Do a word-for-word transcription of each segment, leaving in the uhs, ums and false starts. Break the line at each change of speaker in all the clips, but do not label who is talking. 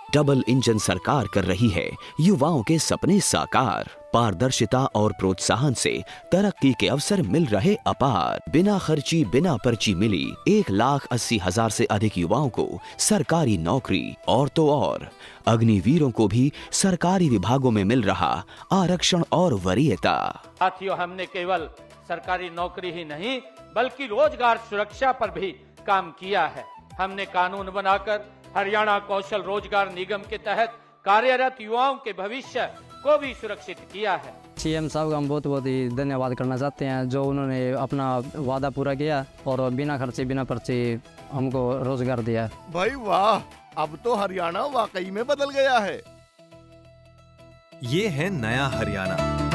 Double engine सरकार कर रही है युवाओं के सपने साकार। पारदर्शिता और प्रोत्साहन से तरक्की के अवसर मिल रहे अपार। बिना खर्ची बिना पर्ची मिली एक लाख अस्सी हजार से अधिक युवाओं को सरकारी नौकरी। और तो और अग्निवीरों को भी सरकारी विभागों में मिल रहा आरक्षण और वरीयता।
साथियों, हमने केवल सरकारी नौकरी ही नहीं बल्कि रोजगार सुरक्षा पर भी काम किया है। हमने कानून बनाकर हरियाणा कौशल रोजगार निगम के तहत कार्यरत युवाओं के भविष्य को भी सुरक्षित किया है।
सीएम साहब का हम बहुत बहुत ही धन्यवाद करना चाहते हैं, जो उन्होंने अपना वादा पूरा किया और बिना खर्चे बिना पर्चे हमको रोजगार दिया।
भाई वाह, अब तो हरियाणा वाकई में बदल गया है।
ये है नया हरियाणा।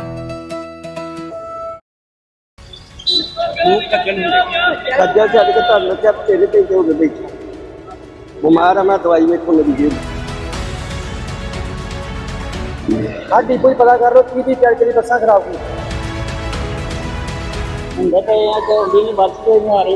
खज्जल छड़ के तुहानू क्या तेरे पे हो गए बैठे बीमार है, मैं दवाई में खुल दी हाँ डिपो ही पता कर लो की दी चल चली बसा खराब हुई ਹੁੰਦੇ ਪਏ ਆ ਤੇ ਹੁੰਦੀ ਨਹੀਂ ਬੱਸ ਕੋਈ ਨਹੀਂ ਆ ਰਹੀ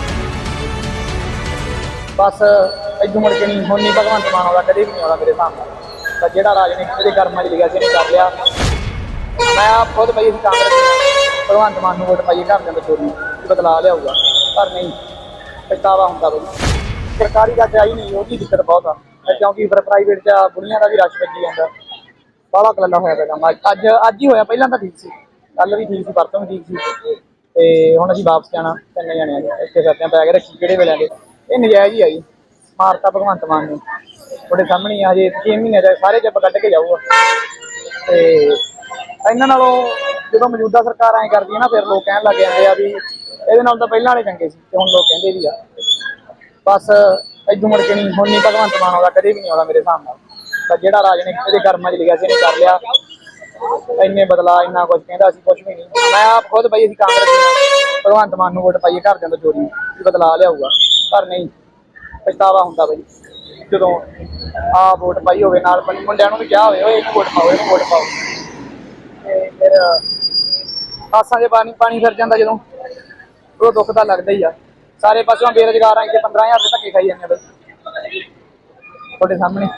ਬਸ ਇਦੋਂ ਮੁੜ ਕੇ ਨਹੀਂ ਹੁਣ ਨਹੀਂ ਭਗਵੰਤ ਮਾਨ ਆਉਂਦਾ, ਕਦੇ ਵੀ ਨਹੀਂ ਆਉਂਦਾ ਮੇਰੇ ਸਾਹਮਣੇ। ਤਾਂ ਜਿਹੜਾ ਰਾਜਨੀਤੀ ਦੇ ਕਰਮਾਂ 'ਚ ਲਿਖਿਆ ਸੀ ਇਹਨੇ ਕਰ ਲਿਆ। ਮੈਂ ਆਪ ਖੁਦ ਪਈ ਸੀ ਕਾਂਗਰਸ ਭਗਵੰਤ ਮਾਨ ਨੂੰ ਵੋਟ ਪਾਈਏ ਘਰ ਦੇ ਚੋਰੀ ਬਦਲਾ ਲਿਆਊਗਾ, ਪਰ ਨਹੀਂ ਪਛਤਾਵਾ ਹੁੰਦਾ ਬਈ। ਸਰਕਾਰੀ ਦਾ ਚਾਹੀ ਨਹੀਂ, ਉਹਦੀ ਦਿੱਕਤ ਬਹੁਤ ਆ ਕਿਉਂਕਿ ਫਿਰ ਪ੍ਰਾਈਵੇਟ 'ਚ ਬੁੜੀਆਂ ਦਾ ਵੀ ਰਸ਼ ਵੱਜੀ ਜਾਂਦਾ, ਬਾਹਲਾ ਕਲੰਦਾ ਹੋਇਆ ਪਿਆ। ਅੱਜ ਅੱਜ ਹੀ ਹੋਇਆ, ਪਹਿਲਾਂ ਤਾਂ ਠੀਕ ਸੀ, ਕੱਲ ਵੀ ਠੀਕ ਸੀ, ਪਰਸੋਂ ਵੀ ਠੀਕ ਸੀ। ਤੇ ਹੁਣ ਅਸੀਂ ਵਾਪਸ ਜਾਣਾ ਤਿੰਨ ਜਣੇ ਆ ਇੱਥੇ ਕਰਦੇ ਆ ਬੈਗ ਰੱਖੀ ਕਿਹੜੇ ਵੇਲੇ ਦੇ। ਇਹ ਨਜਾਇਜ਼ ਹੀ ਆਈ ਮਾਰਤਾ ਭਗਵੰਤ ਮਾਨ ਨੇ, ਤੁਹਾਡੇ ਸਾਹਮਣੇ ਆ। ਹਜੇ ਛੇ ਮਹੀਨੇ ਦਾ ਸਾਰੇ ਜੱਬ ਕੱਢ ਕੇ ਜਾਊਗਾ। ਤੇ ਇਹਨਾਂ ਨਾਲੋਂ ਜਦੋਂ ਮੌਜੂਦਾ ਸਰਕਾਰ ਐਂ ਕਰਦੀ ਹੈ ਨਾ, ਫਿਰ ਲੋਕ ਕਹਿਣ ਲੱਗ ਜਾਂਦੇ ਆ ਵੀ ਇਹਦੇ ਨਾਲ ਤਾਂ ਪਹਿਲਾਂ ਵਾਲੇ ਚੰਗੇ ਸੀ, ਤੇ ਹੁਣ ਲੋਕ ਕਹਿੰਦੇ ਵੀ ਆ। ਬਸ ਇਦੋਂ ਮੁੜ ਕੇ ਨਹੀਂ ਹੁਣ ਨਹੀਂ ਭਗਵੰਤ ਮਾਨ ਆਉਂਦਾ, ਕਦੇ ਵੀ ਨਹੀਂ ਆਉਂਦਾ ਮੇਰੇ ਹਿਸਾਬ ਨਾਲ। ਤਾਂ ਜਿਹੜਾ ਰਾਜਨੀਤੀ ਦੇ ਕਰਮਾਂ 'ਚ ਲਿਖਿਆ ਸੀ ਇਹਨੇ ਕਰ ਲਿਆ। ਇੰਨੇ ਬਦਲਾ ਇੰਨਾ ਕੁਝ ਕਹਿੰਦਾ ਸੀ, ਕੁਝ ਵੀ ਨਹੀਂ। ਮੈਂ ਆਪ ਖੁਦ ਪਈ ਅਸੀਂ ਕਾਂਗਰਸ ਭਗਵੰਤ ਮਾਨ ਨੂੰ ਵੋਟ ਪਾਈਏ ਘਰ ਦੇ ਚੋਰੀ ਬਦਲਾ ਲਿਆਊਗਾ, ਪਰ ਨਹੀਂ ਪਛਤਾਵਾ ਹੁੰਦਾ ਬਈ ਜਦੋਂ ਆਹ ਵੋਟ ਪਾਈ ਹੋਵੇ। ਨਾਲ ਮੁੰਡਿਆਂ ਨੂੰ ਵੀ ਕਿਹਾ ਹੋਵੇ ਇਹਨੂੰ ਵੋਟ ਪਾਓ ਇਹਨੂੰ ਵੋਟ ਪਾਓ। ਤੇ ਫਿਰ ਆਸਾਂ 'ਚ ਪਾਣੀ ਪਾਣੀ ਫਿਰ ਜਾਂਦਾ ਜਦੋਂ, ਉਹ ਦੁੱਖ ਤਾਂ ਲੱਗਦਾ ਹੀ ਆ। ਸਾਰੇ ਪਾਸਿਓਂ ਬੇਰੁਜ਼ਗਾਰ ਆ, ਇੱਥੇ ਪੰਦਰਾਂ ਹਜ਼ਾਰ ਦੇ ਧੱਕੇ ਖਾਈ ਜਾਂਦੇ ਬਈ ਤੁਹਾਡੇ ਸਾਹਮਣੇ।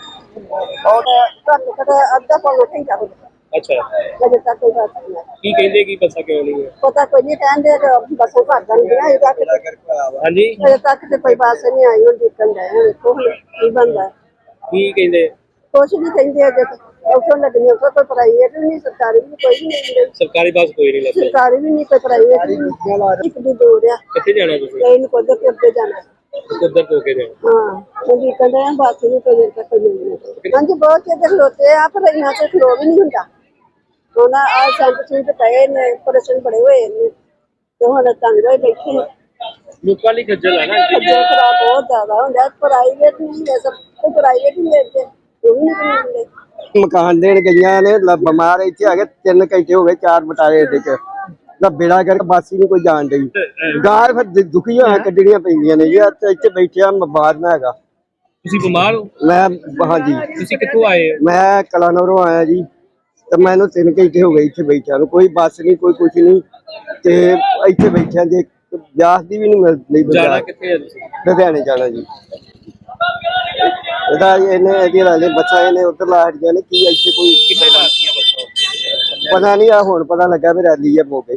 ਅੱਧਾ ਪੌਣਾ ਘੰਟਾ ਹੋ ਗਿਆ।
ਅੱਛਾ,
ਅਜੇ ਤੱਕ ਕੋਈ ਬਾਤ ਨਹੀਂ ਹੈ।
ਕੀ ਕਹਿੰਦੇ ਕੀ ਬੱਸਾਂ ਕਿਉਂ ਨਹੀਂ ਹੈ?
ਪਤਾ ਕੋਈ ਨਹੀਂ, ਕਹਿੰਦੇ ਬੱਸਾਂ ਭਰ ਜਾਂਦੀਆਂ ਇਹਦਾ ਕਿ
ਹਾਂਜੀ,
ਅਜੇ ਤੱਕ ਤੇ ਕੋਈ ਬੱਸ ਨਹੀਂ ਆਈ। ਹੁਣ ਦੇਖਣ ਦਾ ਹੈ, ਵੇਖੋ ਹੁਣ ਕੀ ਬਣਦਾ।
ਕੀ ਕਹਿੰਦੇ?
ਕੁਛ ਨਹੀਂ ਕਹਿੰਦੇ ਅਜੇ ਤੱਕ। ਉੱਥੋਂ ਲੱਗਣੀ ਉੱਥੋਂ ਕੋਈ ਪ੍ਰਾਈਵੇਟ ਵੀ ਨਹੀਂ, ਸਰਕਾਰੀ ਵੀ ਕੋਈ ਨਹੀਂ ਮਿਲਦੀ।
ਸਰਕਾਰੀ ਬੱਸ ਕੋਈ ਨਹੀਂ ਲੱਗੀ?
ਸਰਕਾਰੀ ਵੀ ਨਹੀਂ, ਕੋਈ ਪ੍ਰਾਈਵੇਟ ਵੀ ਨਹੀਂ। ਇੱਕ ਦੀ ਦੂਰ ਆ।
ਕਿੱਥੇ ਜਾਣਾ ਤੁਸੀਂ?
ਟ੍ਰੇਨ ਕੋਲ ਦੇ ਉੱਤੇ ਜਾਣਾ।
ਕਿੱਧਰ ਤੋਂ ਕੇ ਜਾਣਾ?
ਹਾਂ ਉਹ ਦੇਖਣ ਦਾ ਬੱਸ ਨੂੰ ਕੋਈ ਦੇਰ ਤੱਕ ਮਿਲਣੀ। ਹਾਂਜੀ ਬਹੁਤ ਚਿਰ ਖਲੋਤੇ ਆ, ਪਰ ਇਹਨਾਂ ਤੇ ਖਲੋ ਵੀ ਨਹੀਂ ਹੁੰਦਾ। ਹੁਣ ਆ ਸੰਤ ਸਿੰਘ ਪਏ ਨੇ, ਪ੍ਰਸ਼ਨ ਬੜੇ ਹੋਏ ਨੇ, ਤੇ ਹੁਣ ਤੰਗ ਹੋਏ ਬੈਠੇ।
ਲੋਕਾਂ ਲਈ ਖੱਜਲ ਹੈ ਨਾ,
ਖੱਜਲ ਖਰਾਬ ਬਹੁਤ ਜ਼ਿਆਦਾ ਹੁੰਦਾ। ਪ੍ਰਾਈਵੇਟ ਨਹੀਂ ਹੈ, ਸਭ ਤੋਂ ਪ੍ਰਾਈਵੇਟ ਹੀ ਮਿਲਦੇ, ਉਹ ਵੀ ਨਹੀਂ ਮਿਲਦੇ।
ਮਕਾਨ ਦੇਣ ਗਈਆਂ ਨੇ, ਬਿਮਾਰ ਇੱਥੇ ਆ ਕੇ ਤਿੰਨ ਘੰਟੇ ਹੋ ਗਏ, ਚਾਰ ਬਟਾਲੇ ਅੱਡੇ 'ਚ ਦਾ ਬੇੜਾ ਕਰਕੇ ਬੱਸ ਹੀ ਨਹੀਂ ਕੋਈ ਜਾਣ ਡਈ। ਗਾਰ ਫਿਰ ਦੁਖੀ ਹੋਇਆ ਕੱਢਣੀਆਂ ਪੈਂਦੀਆਂ ਨੇ ਜੀ। ਇੱਥੇ ਬੈਠਿਆ ਮੈਂ ਬਾਹਰ ਨਾ ਹੈਗਾ।
ਤੁਸੀਂ ਬਿਮਾਰ ਹੋ?
ਮੈਂ ਹਾਂਜੀ।
ਤੁਸੀਂ ਕਿੱਥੋਂ ਆਏ ਹੋ?
ਮੈਂ ਕਲਾਨੌਰੋਂ ਆਇਆ ਜੀ। ਤੇ ਮੈਨੂੰ ਤਿੰਨ ਘੰਟੇ ਹੋ ਗਏ ਇੱਥੇ ਬੈਠਿਆ ਨੂੰ, ਕੋਈ ਬੱਸ ਨਹੀਂ ਕੋਈ ਕੁਛ ਨਹੀਂ। ਤੇ ਇੱਥੇ ਬੈਠਿਆ ਜੇ ਵਿਆਸ ਦੀ ਵੀ ਨਹੀਂ ਮਿਲਦੀ।
ਜਾਣਾ ਕਿੱਥੇ ਹੈ ਤੁਸੀਂ?
ਲੁਧਿਆਣੇ ਜਾਣਾ ਜੀ। ਇਹਦਾ ਇਹਨੇ ਇਹਦੀ ਲਾ ਬੱਸਾਂ ਇਹਨੇ ਉੱਧਰ ਲਾ ਹਟੀਆਂ ਨੇ। ਕੀ ਇੱਥੇ ਕੋਈ
ਕਿੰਨੇ ਲਾਤੀਆਂ ਬੱਸਾਂ?
ਪਤਾ ਨਹੀਂ, ਆ ਹੁਣ ਪਤਾ ਲੱਗਾ ਵੀ ਰੈਲੀ ਆ ਮੌਕੇ।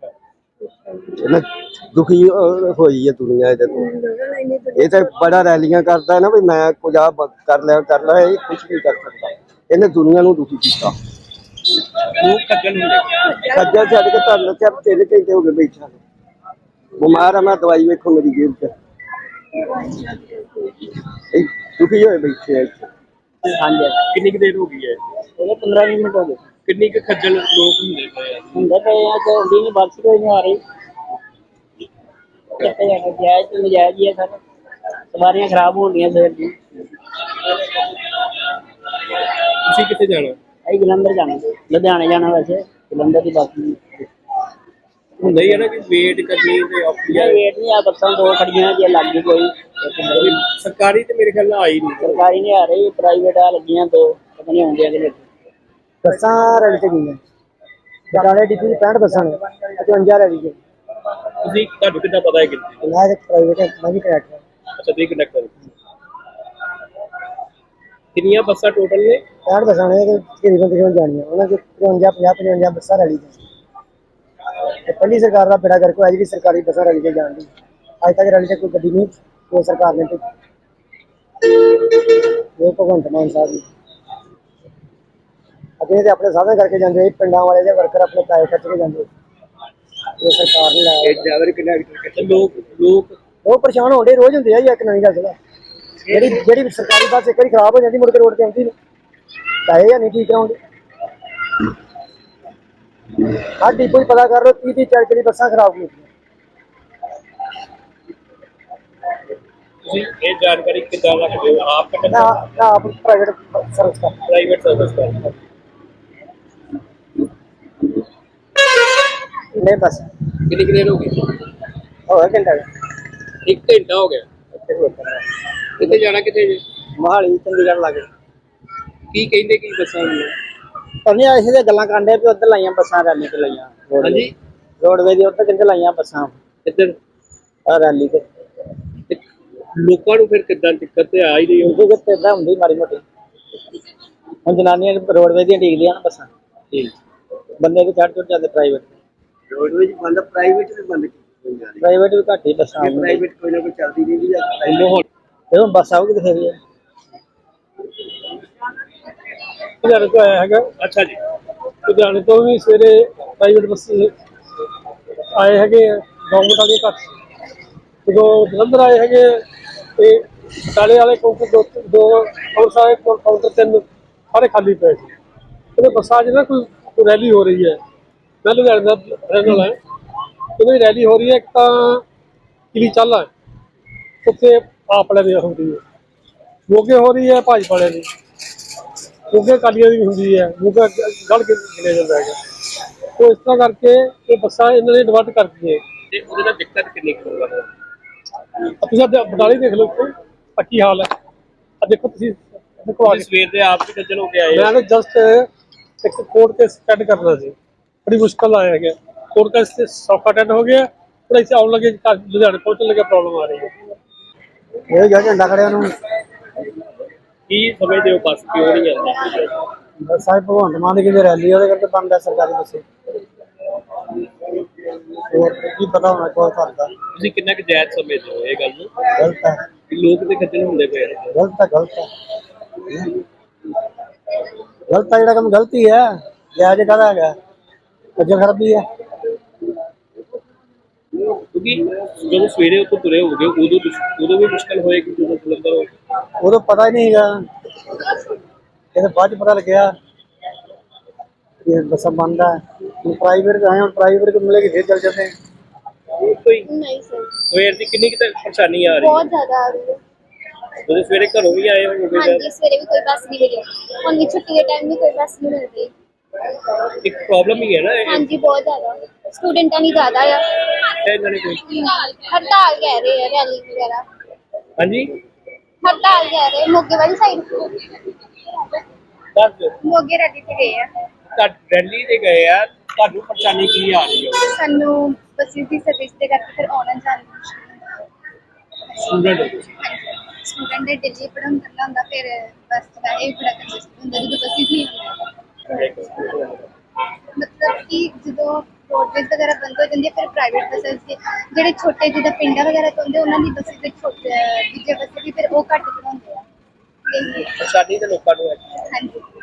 ਦੁਖੀ ਹੋਈ ਹੈ ਦੁਨੀਆ ਇਹਦੇ ਤੋਂ। ਇਹ ਤਾਂ ਬੜਾ ਰੈਲੀਆਂ ਕਰਦਾ ਨਾ ਵੀ ਮੈਂ ਕੁਝ ਆ ਕਰ ਲਿਆ ਕਰ ਲਿਆ, ਇਹ ਕੁਛ ਨਹੀਂ ਕਰ ਸਕਦਾ। ਇਹਨੇ ਦੁਨੀਆ ਨੂੰ ਦੁਖੀ ਕੀਤਾ।
ਲੋਕ ਖੱਜਲ ਹੁੰਦੇ।
ਖੱਜਲ ਛੱਡ ਕੇ ਤੁਹਾਨੂੰ ਕਿਹਾ ਤਿੰਨ ਘੰਟੇ ਹੋ ਗਏ ਬੈਠਾ ਬਿਮਾਰ ਆ, ਮੈਂ ਦਵਾਈ ਵੇਖੋ ਮੇਰੀ ਜੇਬ 'ਚ। ਦੁਖੀ ਹੋਏ ਬੈਠੇ ਆ ਇੱਥੇ।
ਹਾਂਜੀ, ਕਿੰਨੀ ਕੁ ਦੇਰ ਹੋ ਗਈ ਹੈ?
ਉਹਦੇ ਪੰਦਰਾਂ ਵੀਹ ਮਿੰਟ ਹੋ ਗਏ।
ਕਿੰਨੀ ਕੁ ਖੱਜਲ ਲੋਕ ਹੁੰਦੇ ਪਏ ਆ?
ਹੁੰਦੇ ਪਏ ਆ ਤੇ ਹੁੰਦੀ ਨਹੀਂ, ਬੱਸ ਕੋਈ ਨਹੀਂ ਆ ਰਹੀ। ਕਿੱਥੇ ਜਾਣਾ, ਜਾਇਜ਼ ਤੇ ਨਜਾਇਜ਼ ਹੀ ਹੈ ਸਰ। ਸਵਾਰੀਆਂ ਖਰਾਬ ਹੋਣੀਆਂ ਸਵੇਰ ਦੀ।
ਤੁਸੀਂ ਕਿੱਥੇ ਜਾਣਾ?
ਅਸੀਂ ਜਲੰਧਰ ਜਾਣਾ, ਲੁਧਿਆਣੇ ਜਾਣਾ। ਵੈਸੇ ਜਲੰਧਰ ਦੀ ਬੱਸ
ਹੁੰਦਾ ਹੀ ਹੈ ਨਾ ਕਿ ਵੇਟ ਕਰਨੀ ਤੇ ਔਖੀ ਹੈ।
ਵੇਟ ਨਹੀਂ ਆ, ਬੱਸਾਂ ਦੋ ਖੜੀਆਂ ਜੇ ਲੱਗ ਗਈ ਕੋਈ।
ਸਰਕਾਰੀ ਤੇ ਮੇਰੇ ਖਿਆਲ ਨਾਲ ਆਈ ਨਹੀਂ।
ਸਰਕਾਰੀ ਨਹੀਂ ਆ ਰਹੀ, ਪ੍ਰਾਈਵੇਟ ਆ ਲੱਗੀਆਂ ਦੋ, ਪਤਾ ਨਹੀਂ ਆਉਂਦੀਆਂ ਕਿ ਨਹੀਂ। ਬੱਸਾਂ ਰੈਲੀ ਤੇ ਗਈਆਂ ਬਟਾਲੇ ਡਿਪੂ ਦੀ ਪੈਂਹਠ ਬੱਸਾਂ ਨੇ, ਪਚਵੰਜਾ ਰੈਲੀ ਤੇ।
ਤੁਸੀਂ ਤੁਹਾਨੂੰ ਕਿੱਦਾਂ ਪਤਾ ਹੈ ਕਿੰਨੀ?
ਮੈਂ ਪ੍ਰਾਈਵੇਟ ਮੈਂ ਵੀ ਕਨੈਕਟਰ।
ਅੱਛਾ, ਤੁਸੀਂ ਕੰਡਕਟਰ। ਕਿੰਨੀਆਂ ਬੱਸਾਂ ਟੋਟਲ ਨੇ?
ਪੈਂਹਠ ਬੱਸਾਂ ਨੇ ਤੇ ਤਕਰੀਬਨ ਤਕਰੀਬਨ ਜਾਣੀਆਂ ਉਹਨਾਂ ਚ ਪਚਵੰਜਾ ਪੰਜਾਹ ਪਚਵੰਜਾ ਬੱਸਾਂ ਰੈਲੀ ਤੇ ਪਹਿਲੀ ਸਰਕਾਰ ਦਾ ਬੇੜਾ ਗਰਕ ਹੋਇਆ ਜਿਹੜੀ ਸਰਕਾਰੀ ਬੱਸਾਂ ਰੈਲੀ ਤੇ ਜਾਣ ਦੀ। ਅੱਜ ਤੱਕ ਰੈਲੀ ਤੇ ਕੋਈ ਗੱਡੀ ਨਹੀਂ ਕੋਈ ਸਰਕਾਰ ਨੇ ਭੇਜੀ। ਇਹ ਭਗਵੰਤ ਮਾਨ ਸਾਹਿਬ ਜੀ ਅੱਗੇ ਤੇ ਆਪਣੇ ਸਾਧਨ ਕਰਕੇ ਜਾਂਦੇ, ਪਿੰਡਾਂ ਵਾਲੇ ਦੇ ਵਰਕਰ ਆਪਣੇ ਪੈਸੇ ਖਰਚ ਕੇ ਜਾਂਦੇ। ਇਹ ਸਰਕਾਰ ਨੇ ਲਾਇਆ
ਡਰਾਈਵਰ ਕਿੰਨਾ ਲੋਕ ਲੋਕ
ਉਹ ਪਰੇਸ਼ਾਨ ਹੋਣਦੇ ਰੋਜ਼ ਹੁੰਦੇ ਆ ਜੀ। ਇੱਕ ਨਵੀਂ ਗੱਲ ਸੁਣਾ, ਜਿਹੜੀ ਜਿਹੜੀ ਸਰਕਾਰੀ ਬੱਸ ਇੱਕ ਵਾਰੀ ਖਰਾਬ ਹੋ ਜਾਂਦੀ ਮੁੜ ਕੇ ਰੋਡ ਤੇ ਆਉਂਦੀ ਨਹੀਂ, ਪੈਸੇ ਜਾਂ ਨਹੀਂ ਠੀਕ ਕਰਾਉਂਦੇ। ਆਹ ਡਿਪੋ 'ਚ ਪਤਾ ਕਰ ਲਓ ਤੀਹ ਤੀਹ ਚਾਲੀ ਚਾਲੀ ਬੱਸਾਂ ਖਰਾਬ ਹੋ ਗਈਆਂ।
ਤੁਸੀਂ ਇਹ ਜਾਣਕਾਰੀ ਕਿੱਦਾਂ ਰੱਖਦੇ ਹੋ? ਆਪ
ਮੈਂ ਮੈਂ ਆਪ ਪ੍ਰਾਈਵੇਟ ਸਰਵਿਸ ਕਰ
ਪ੍ਰਾਈਵੇਟ ਸਰਵਿਸ ਕਰਦੇ
ਨਹੀਂ ਬਸ
ਕਿੰਨੀ ਦੇਰ ਹੋ ਗਈ?
ਹੋ ਗਿਆ ਘੰਟਾ
ਇੱਕ ਘੰਟਾ ਹੋ ਗਿਆ। ਕਿੱਥੇ ਜਾਣਾ ਕਿੱਥੇ ਜੀ?
ਮੋਹਾਲੀ ਚੰਡੀਗੜ੍ਹ ਲੱਗੇ
ਕੀ ਕਹਿੰਦੇ ਕੀ ਬੱਸਾਂ ਨੂੰ?
ਉਹਨੇ ਐਸੇ ਦੀਆਂ ਗੱਲਾਂ ਕਰਦੇ ਵੀ ਉੱਧਰ ਲਾਈਆਂ ਬੱਸਾਂ ਰੈਲੀ ਤੇ ਲਾਈਆਂ।
ਹਾਂਜੀ
ਰੋਡਵੇ ਦੀ ਉੱਧਰ ਕਿੱਥੇ ਲਾਈਆਂ ਬੱਸਾਂ
ਇੱਧਰ
ਆ ਰੈਲੀ ਤੇ।
ਤੇ ਲੋਕਾਂ ਨੂੰ ਫਿਰ ਕਿੱਦਾਂ ਦਿੱਕਤ ਤੇ ਆ ਹੀ ਰਹੀ
ਉਹਦੇ ਕਿਤੇ ਇਦਾਂ ਹੁੰਦੀ ਮਾੜੀ ਮੋਟੀ। ਹੁਣ ਜਨਾਨੀਆਂ ਰੋਡਵੇ ਦੀਆਂ ਡੀਕਦੀਆਂ ਨਾ ਬੱਸਾਂ,
ਠੀਕ
ਬੰਦੇ ਵੀ ਚੜ੍ਹ ਚੜ੍ਹ ਜਾਂਦੇ ਪ੍ਰਾਈਵੇਟ।
ਰੋਡਵੇਜ ਬੰਦ, ਪ੍ਰਾਈਵੇਟ ਵੀ ਬੰਦ ਕੀਤੀ ਜਾ ਰਹੀ
ਪ੍ਰਾਈਵੇਟ ਵੀ ਘੱਟ ਹੀ ਬੱਸਾਂ ਆਉਂਦੀਆਂ।
ਪ੍ਰਾਈਵੇਟ ਕੋਈ ਨਾ ਕੋਈ ਚੱਲਦੀ ਨਹੀਂ ਜੀ।
ਤੇ ਹੁਣ ਬੱਸ ਆਊਗੀ ਕਿਥੇ ਵੀ
ਲੁਧਿਆਣੇ ਤੋਂ ਆਇਆ ਹੈਗਾ।
ਅੱਛਾ ਜੀ।
ਲੁਧਿਆਣੇ ਤੋਂ ਵੀ ਸਵੇਰੇ ਪ੍ਰਾਈਵੇਟ ਬੱਸ ਆਏ ਹੈਗੇ ਗਵਰਨਮੈਂਟ ਵਾਲੇ ਘੱਟ। ਜਦੋਂ ਜਲੰਧਰ ਆਏ ਹੈਗੇ ਤੇ ਬਟਾਲੇ ਵਾਲੇ ਕਾਊਂਟਰ ਦੋ ਦੋ ਅੰਮ੍ਰਿਤਸਰ ਕਾਊਂਟਰ ਤਿੰਨ ਸਾਰੇ ਖਾਲੀ ਪਏ ਸੀ। ਉਹਦੇ ਬੱਸਾਂ 'ਚ ਨਾ ਕੋਈ ਕੋਈ ਰੈਲੀ ਹੋ ਰਹੀ ਹੈ। ਮੈਂ ਲੁਧਿਆਣੇ ਦਾ ਰਹਿਣ ਵਾਲਾ ਹੈ। ਇਹਨਾਂ ਦੀ ਰੈਲੀ ਹੋ ਰਹੀ ਹੈ। ਇੱਕ ਤਾਂ ਕਿਲੀ ਚੱਲ ਹੈ ਉੱਥੇ ਆਪ ਵਾਲਿਆਂ ਦੀ ਹੋ ਰਹੀ ਹੈ, ਮੋਗੇ ਹੋ ਰਹੀ ਹੈ ਭਾਜਪਾ ਵਾਲਿਆਂ ਦੀ, ਮੋਗੇ ਅਕਾਲੀਆਂ ਦੀ ਵੀ ਹੁੰਦੀ ਹੈ, ਮੋਗਾ ਗੜ ਕੇ ਗਿਣਿਆ ਜਾਂਦਾ ਹੈਗਾ। ਉਹ ਇਸ ਤਰ੍ਹਾਂ ਕਰਕੇ ਇਹ ਬੱਸਾਂ ਇਹਨਾਂ ਨੇ ਡਿਵਰਟ ਕਰ ਦਿੱਤੀਆਂ।
ਤੇ ਉਹਦੇ ਨਾਲ ਦਿੱਕਤ ਕਿੰਨੀ ਕੁ ਹੋਊਗਾ?
ਤੁਸੀਂ ਬਟਾਲੇ ਦੇਖ ਲਓ ਇੱਥੇ ਪੱਕੀ ਹਾਲ ਹੈ। ਆ ਦੇਖੋ ਤੁਸੀਂ ਦੇਖੋ ਆ
ਸਵੇਰ ਦੇ ਆਪ ਵੀ ਖੱਜਲ ਹੋ ਕੇ ਆਏ।
ਮੈਂ ਤਾਂ ਜਸਟ ਇੱਕ ਕੋਰਟ ਕੇਸ ਅਟੈਂਡ ਕਰਨਾ ਸੀ, ਬੜੀ ਮੁਸ਼ਕਲ ਆਇਆ ਹੈਗਾ। ਕੋਰਟ ਕੇਸ ਤੇ ਸੌਖਾ ਅਟੈਂਡ ਹੋ ਗਿਆ, ਪਰ ਇੱਥੇ ਆਉਣ ਲੱਗੇ ਲੁਧਿਆਣੇ ਪਹੁੰਚਣ ਲੱਗੇ ਪ੍ਰੋਬਲਮ ਆ ਰਹੀ ਹੈ।
ਇਹ ਜਿਹੜਾ ਝੰਡਾ ਖੜਿਆ ਉਹਨੂੰ
ਕੀ ਸਮਝਦੇ ਹੋ ਬੱਸ ਕਿਉਂ ਨਹੀਂ ਆਉਂਦੀ?
ਬੱਸਾਂ ਭਗਵੰਤ ਮਾਨ ਦੀ ਕਿਤੇ ਰੈਲੀ ਉਹਦੇ ਕਰਕੇ ਬੰਦ ਹੈ ਸਰਕਾਰੀ ਬੱਸੇ। ਹੋਰ ਕੀ ਪਤਾ ਹੋਣਾ ਕੋਈ ਕਰਦਾ।
ਤੁਸੀਂ ਕਿੰਨਾ ਕੁ ਜਾਇਜ਼ ਸਮਝਦੇ ਹੋ ਇਹ ਗੱਲ ਨੂੰ?
ਗਲਤ ਹੈ,
ਕਿ ਲੋਕ ਤੇ ਖੱਜਲ ਹੁੰਦੇ ਪਏ ਨੇ।
ਗਲਤ ਹੈ, ਗਲਤ ਹੈ, ਗਲਤ ਹੈ। ਜਿਹੜਾ ਕੰਮ ਗਲਤੀ ਹੈ ਜਾਇਜ਼ ਕਾਹਦਾ ਹੈਗਾ? ਖੱਜਲ ਖਰਾਬੀ ਹੈ।
ਕਿਉਂਕਿ ਜਦੋਂ ਸਵੇਰੇ ਉੱਥੋਂ ਤੁਰੇ ਹੋਗੇ ਉਦੋਂ ਉਦੋਂ ਵੀ ਮੁਸ਼ਕਲ ਹੋਏਗੀ ਜਦੋਂ ਜਲੰਧਰ ਹੋ।
ਉਦੋਂ ਪਤਾ ਹੀ ਨਹੀਂ ਹੈਗਾ, ਇਹਦੇ ਬਾਅਦ ਚ ਪਤਾ ਲੱਗਿਆ ਕਿ ਬੱਸਾਂ ਬੰਦ ਹੈ। ਪ੍ਰਾਈਵੇਟ ਆਏ ਹੁਣ ਪ੍ਰਾਈਵੇਟ को मिलेगी फिर चल जाते हैं।
ਕੋਈ
नहीं सर,
ਸਵੇਰ ਦੀ ਕਿੰਨੀ ਕੁ ਪਰੇਸ਼ਾਨੀ ਆ ਰਹੀ
बहुत ज्यादा आ रही है।
ਹੈ? ਜਦੋਂ ਸਵੇਰੇ ਘਰੋਂ ਵੀ ਆਏ ਹੋਗੇ
हाँ जी, सवेरे भी कोई बस नहीं मिली, हम भी छुट्टी के टाइम भी कोई बस नहीं मिल रही।
ਇੱਕ ਪ੍ਰੋਬलਮ ਹੀ ਹੈ ਨਾ
हाँ
ਇਹ।
जी, बहुत ज्यादा स्टूडेंटा नहीं ज्यादा है।
ਇਹਨਾਂ ਨੇ ਕੋਈ
हड़ताल कह रहे हैं, रैली वगैरह
ਹਾਂਜੀ
हड़ताल कह रहे हैं। मोगे वाली साइड
ਦੱਸ ਦਿਓ।
मोगे रैली पे गए हैं।
ਤਾਂ ਦਿੱਲੀ ਦੇ ਗਏ ਆ, ਤੁਹਾਨੂੰ ਪਰੇਸ਼ਾਨੀ ਕੀ ਆ ਰਹੀ ਹੈ?
सानू बसेस की सर्विस दे करके फिर आना जाना
ਸਟੂਡੈਂਟ
स्टूडेंट दे डेली पढ़न करना ਹੁੰਦਾ, ਫਿਰ ਬਸ ਦਾ ਇਹ ਬੜਾ ਕੰਜਸਟ ਹੁੰਦਾ ਜਦੋਂ ਬੱਸਿਸ ਨਹੀਂ ਹੁੰਦੀਆਂ। ਮਤਲਬ ਕਿ ਜਦੋਂ ਰੋਡਵੇਜ਼ ਵਗੈਰਾ ਬੰਦ ਹੋ ਜਾਂਦੀ ਹੈ ਫਿਰ ਪ੍ਰਾਈਵੇਟ ਬੱਸਿਸ ਦੇ ਜਿਹੜੇ ਛੋਟੇ ਜਿਹੇ ਪਿੰਡਾਂ ਵਗੈਰਾ ਤੋਂ ਹੁੰਦੇ ਉਹਨਾਂ ਦੀ ਬੱਸਿਸ ਦੇ ਛੋਟੇ ਦੂਜੇ ਬੱਸੇ ਵੀ ਫਿਰ ਉਹ ਘੱਟ ਚੜਾਉਂਦੇ ਆ।
ਪਰੇਸ਼ਾਨੀ ਤੇ ਲੋਕਾਂ ਨੂੰ ਹੈ।
ਹਾਂਜੀ।